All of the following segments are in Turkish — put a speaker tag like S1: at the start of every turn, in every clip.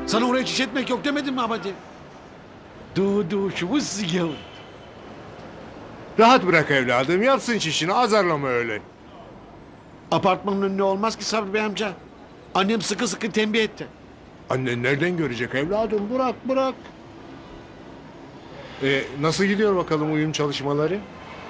S1: Sana oraya çiş etmek yok demedim mi abadi? Duşumuz yıl.
S2: Rahat bırak evladım, yapsın çişini, azarlama öyle.
S1: Apartmanın önüne olmaz ki Sabri Bey amca. Annem sıkı sıkı tembih etti.
S2: Annen nereden görecek evladım, bırak. Nasıl gidiyor bakalım uyum çalışmaları?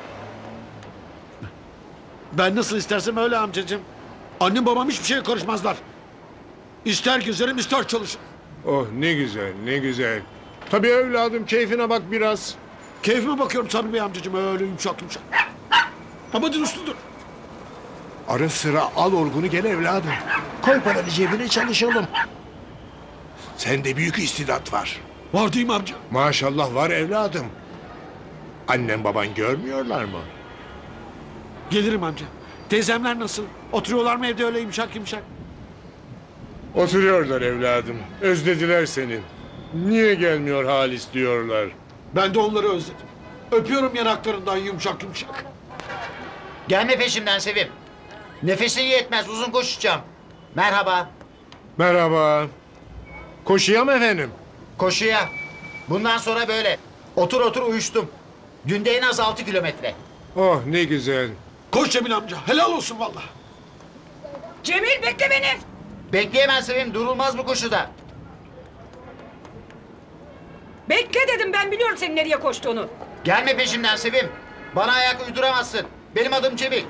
S1: Ben nasıl istersem öyle amcacığım. Annem babam hiçbir şeye karışmazlar. İster gezerim ister çalışırım.
S2: Oh ne güzel, ne güzel. Tabii evladım, keyfine bak biraz.
S1: Keyfime bakıyorum Sabri Bey amcacığım öyle yumuşak yumuşak. Abadi usludur.
S2: Ara sıra al orgunu gel evladım. Koy paranı cebine çalışalım. Sende büyük istidat var.
S1: Var değil mi amca?
S2: Maşallah var evladım. Annen baban görmüyorlar mı?
S1: Gelirim amca. Teyzemler nasıl? Oturuyorlar mı evde öyle yumuşak yumuşak?
S2: Oturuyorlar evladım. Özlediler seni. Niye gelmiyor Halis diyorlar.
S1: Ben de onları özledim. Öpüyorum yanaklarından yumuşak yumuşak.
S3: Gelme peşimden Sevim. Nefesin yetmez, uzun koşacağım. Merhaba.
S2: Merhaba. Koşuya mı efendim?
S3: Koşuya. Bundan sonra böyle. Otur otur uyuştum. Günde en az 6 kilometre.
S2: Oh ne güzel.
S1: Koş Cemil amca. Helal olsun valla.
S4: Cemil bekle beni.
S3: Bekleyemez Sevim, durulmaz bu koşuda.
S4: Bekle dedim, ben biliyorum senin nereye koştuğunu.
S3: Gelme peşimden Sevim. Bana ayak uyduramazsın. Benim adım Cemil.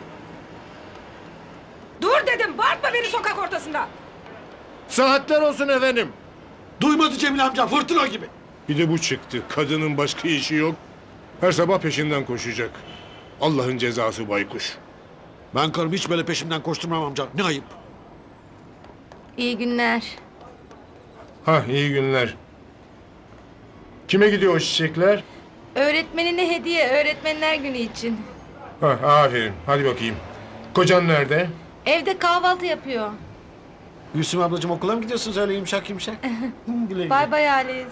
S4: Dur dedim, bağırtma beni sokak ortasında.
S2: Saatler olsun efendim.
S1: Duymadı Cemil amca fırtına gibi.
S2: Bir de bu çıktı. Kadının başka işi yok. Her sabah peşinden koşacak. Allah'ın cezası baykuş.
S1: Ben karımı hiç böyle peşimden koşturmam amca. Ne ayıp.
S5: İyi günler.
S2: Ha iyi günler. Kime gidiyor o çiçekler?
S5: Öğretmenine hediye, öğretmenler günü için.
S2: Ha aferin. Hadi bakayım. Kocan nerede?
S5: Evde kahvaltı yapıyor.
S1: Gülsüm ablacığım okula mı gidiyorsunuz öyle yumuşak yumuşak? Güle güle.
S5: Bay bay Halis.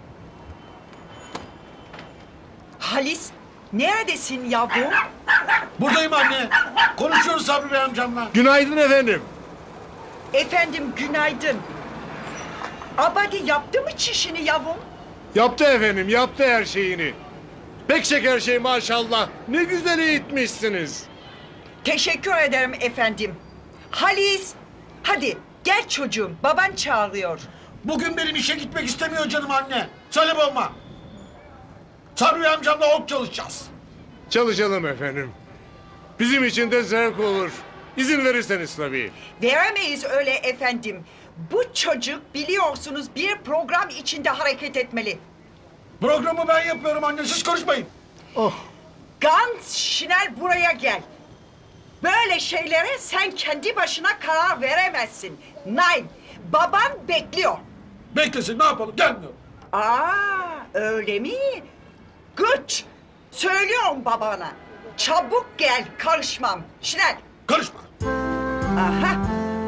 S4: Halis, neredesin yavrum?
S1: Buradayım anne. Konuşuyoruz Sabri Bey amcamla.
S2: Günaydın efendim.
S4: Efendim günaydın. Abadi yaptı mı çişini yavrum?
S2: Yaptı efendim, yaptı her şeyini. Pek şeker şey maşallah. Ne güzel eğitmişsiniz.
S6: Teşekkür ederim efendim. Halis, hadi gel çocuğum, baban çağırıyor.
S1: Bugün benim işe gitmek istemiyor canım anne. Söyle babama. Sabri Bey amcamla ok çalışacağız.
S2: Çalışalım efendim. Bizim için de zevk olur. İzin verirseniz tabii.
S6: Veremeyiz öyle efendim. Bu çocuk biliyorsunuz bir program içinde hareket etmeli.
S1: Programı ben yapıyorum anne siz konuşmayın.
S6: Gans Şinel buraya gel. Böyle şeylere sen kendi başına karar veremezsin. Nein, baban bekliyor.
S1: Beklesin ne yapalım gelmiyor.
S6: Öyle mi? Good. Söylüyorum babana. Çabuk gel, karışmam. Şinel.
S1: Karışma.
S6: Aha.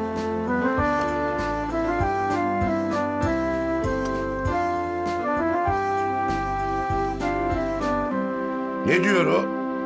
S7: Ne diyor o?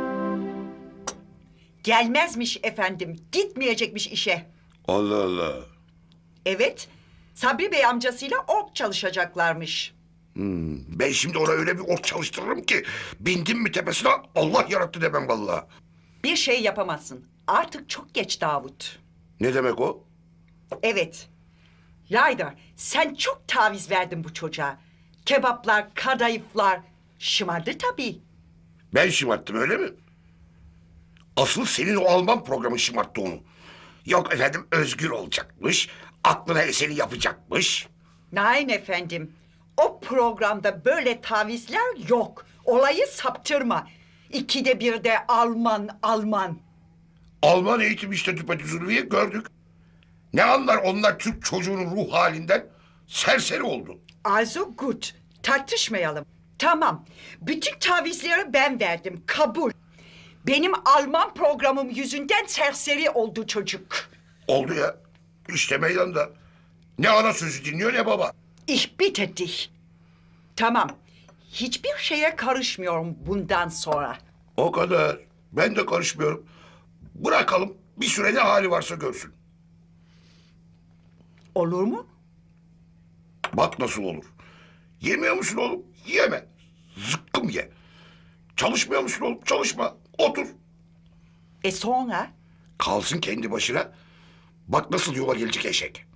S6: Gelmezmiş efendim, gitmeyecekmiş işe.
S7: Allah Allah.
S6: Evet, Sabri Bey amcasıyla ork çalışacaklarmış.
S7: Ben şimdi ona öyle bir ok çalıştırırım ki... ...bindim mi tepesine Allah yarattı demem vallahi.
S6: Bir şey yapamazsın. Artık çok geç Davut.
S7: Ne demek o?
S6: Evet. Layda, sen çok taviz verdin bu çocuğa. Kebaplar, kadayıflar şımardı tabii.
S7: Ben şımarttım öyle mi? Asıl senin o Alman programı şımarttı onu. Yok efendim özgür olacakmış... ...aklına eseni yapacakmış.
S6: Nein efendim. O programda böyle tavizler yok. Olayı saptırma. İkide bir de Alman, Alman.
S7: Alman eğitim işte düpedüz Ulviye gördük. Ne anlar onlar Türk çocuğunun ruh halinden? Serseri oldu.
S6: Also gut. Tartışmayalım. Tamam. Bütün tavizleri ben verdim. Kabul. Benim Alman programım yüzünden serseri oldu çocuk.
S7: Oldu ya. İşte meydanda. Ne ana sözü dinliyor ne baba.
S6: Ich bitte dich. Tamam. Hiçbir şeye karışmıyorum bundan sonra.
S7: O kadar. Ben de karışmıyorum. Bırakalım bir süre ne hali varsa görsün.
S6: Olur mu?
S7: Bak nasıl olur. Yemiyor musun oğlum? Yeme. Zıkkım ye. Çalışmıyor musun oğlum? Çalışma. Otur.
S6: Sonra?
S7: Kalsın kendi başına. Bak nasıl yola gelecek eşek.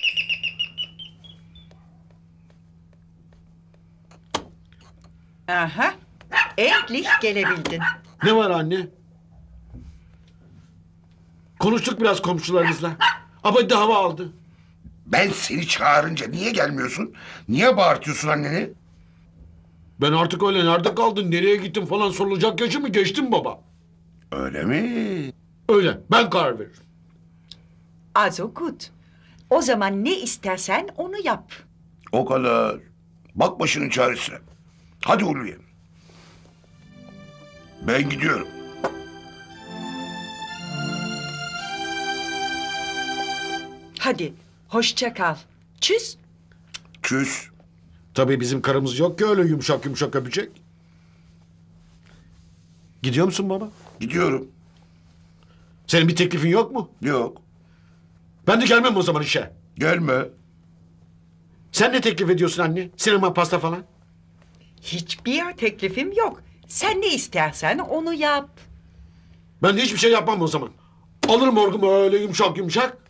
S6: Aha. Endlich gelebildin.
S1: Ne var anne? Konuştuk biraz komşularımızla. Abadi de hava aldı.
S7: Ben seni çağırınca niye gelmiyorsun? Niye bağırtıyorsun anneni?
S1: Ben artık öyle nerede kaldın, nereye gittin falan sorulacak yaşı mı geçtim baba?
S7: Öyle mi?
S1: Öyle, ben karar veririm.
S6: Also gut. O zaman ne istersen onu yap.
S7: O kadar. Bak başının çaresine. Hadi Ulviye. Ben gidiyorum.
S6: Hadi, hoşça kal. Tschüss.
S7: Küs.
S1: Tabii bizim karımız yok ki öyle yumuşak yumuşak öpecek. Gidiyor musun baba?
S7: Gidiyorum.
S1: Senin bir teklifin yok mu?
S7: Yok.
S1: Ben de gelmem o zaman işe.
S7: Gelme.
S1: Sen ne teklif ediyorsun anne? Sinema, pasta falan.
S6: Hiçbir teklifim yok. Sen ne istersen onu yap.
S1: Ben de hiçbir şey yapmam o zaman. Alırım orgumu öyle yumuşak yumuşak.